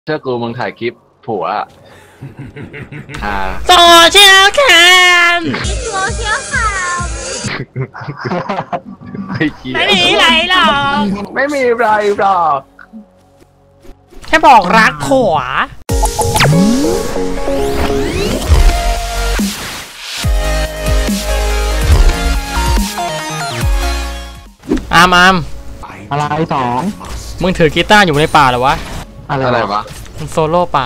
เชื่อกูมึงถ่ายคลิปผัวโซเชียลแคมโซเชียลแคมไม่มีไรหรอกไม่มีไรหรอกแค่บอกรักผัวอามอะไรสองมึงถือกีตาร์อยู่ในป่าเหรอวะอะไรวะมึงโซโล่ป่า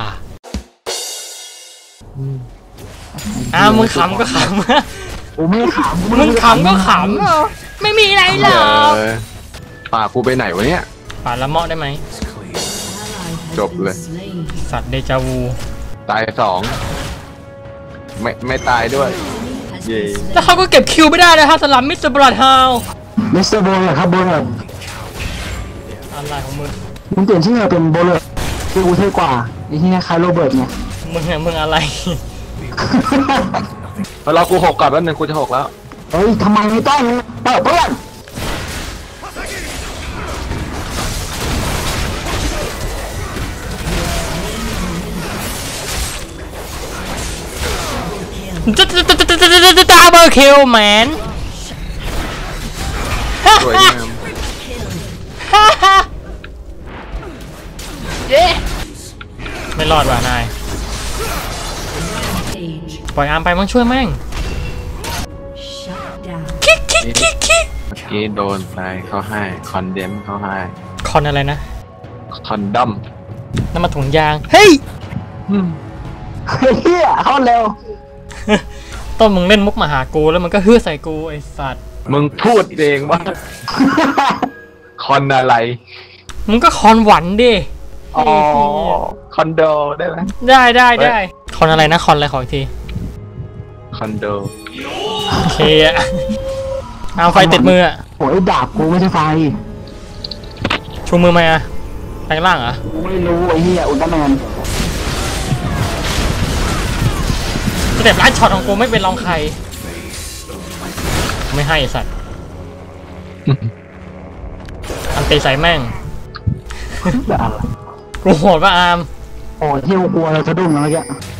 มึงขำก็ขำกูไม่ขำมึงขำก็ขำไม่มีอะไรหรอกป่ากูไปไหนวะเนี่ยป่าละเมาะได้ไหมจบเลยสัตว์เดจาวูตายสองไม่ตายด้วยเย่แล้วเขาก็เก็บคิวไม่ได้เลยฮะสลัมมิสเตอร์บลัดฮาวมิสเตอร์โบเลอร์ครับโบเลอร์อะไรของมึงเปลี่ยนชื่อเป็นโบเลอร์คือกูเท่กว่าไอ้ที่นี่คล้ายโรเบิร์ตไงมึงอะไรเรากูหกก่อนแล้วนึงกูจะหกแล้วเฮ้ยทำไมไม่ต้องเปิดเพื่อนดับเบิลคิลแมนสวยงามไม่รอดว่ะนายปล่อยอาร์มไปมันช่วยแม่งคิกเมื่อกี้โดนไปเขาให้คอนเดมเขาให้คอนอะไรนะคอนดัมน้ำมันถุงยางเฮ้ยเฮียเข้าเร็วต้นมึงเล่นมุกมาหากูแล้วมันก็ฮือใส่กูไอสัตว์มึงพูดเองว่าคอนอะไรมึงก็คอนหวันดิอ๋อคอนโดได้ไหมได้คอนอะไรนะคอนอะไรขออีกทีคอนโดโอเคอะเอาไฟติดมืออะโอ้ยดาบกูไม่ใช่ไฟชูมือไหมอะแปลงร่างเหรอไม่รู้ไอ้เหี้ยอุลตร้าแมนสเต็ปลัดช็อตของกูไม่เป็นรองใครไม่ให้สัตว์อันตีใส่แม่งกูโหดป่ะอาร์มโอ้เที่ยวกลัวเราจะดุ้งแล้วแก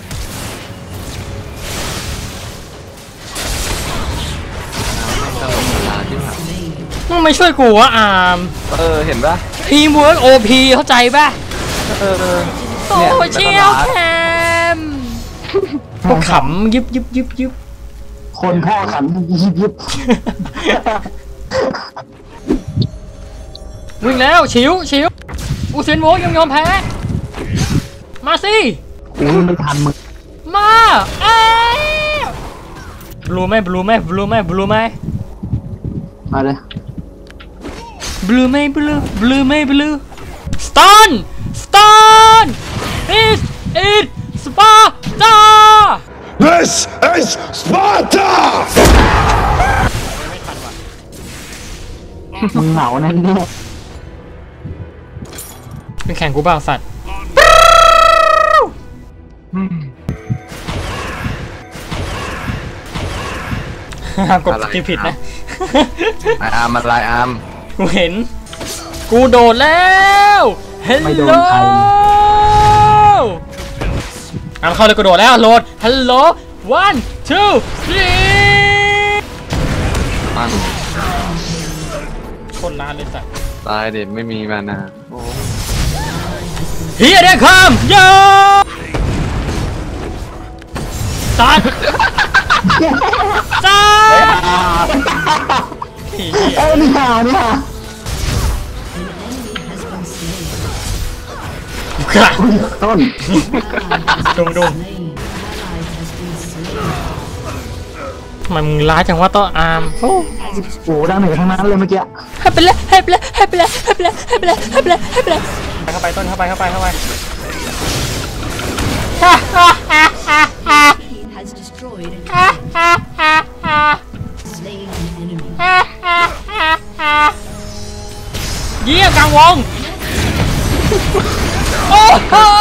มึงไม่ช่วยกูวะอาร์มเห็นปะทีมเวิร์กโอพีเข้าใจปะโซเชียลแคมพวกขำยิบคนพ่อขำยิบวิ่งแล้วชิวอุเซนโวยังยอมแพ้มาสิไม่ทันมึงมาบลูไหมมาเลยบลูสตันis it Sparta This is Sparta มึงเหงาแน่ๆเป็นแข่งกูเปล่าสัตว์กดที่ผิดนะอาร์มอะไรอาร์มกูเห็นกูโดดแล้วเฮลโลอาร์มเข้าเลยกูโดดแล้วโหลดฮัลโหล one two three คนล้านเลยสัตว์ตายเด็ดไม่มีมานาเฮียเด็กคำยาสัตว์นี่ฮะต้นดุงทำไมมึงร้ายจังวะต่ออาร์มโอ้โหดังเหนือทั้งนั้นเลยเมื่อกี้ให้ไปเลยเข้าไปต้นเข้าไปเยี่ยมกลางวงโอ้โห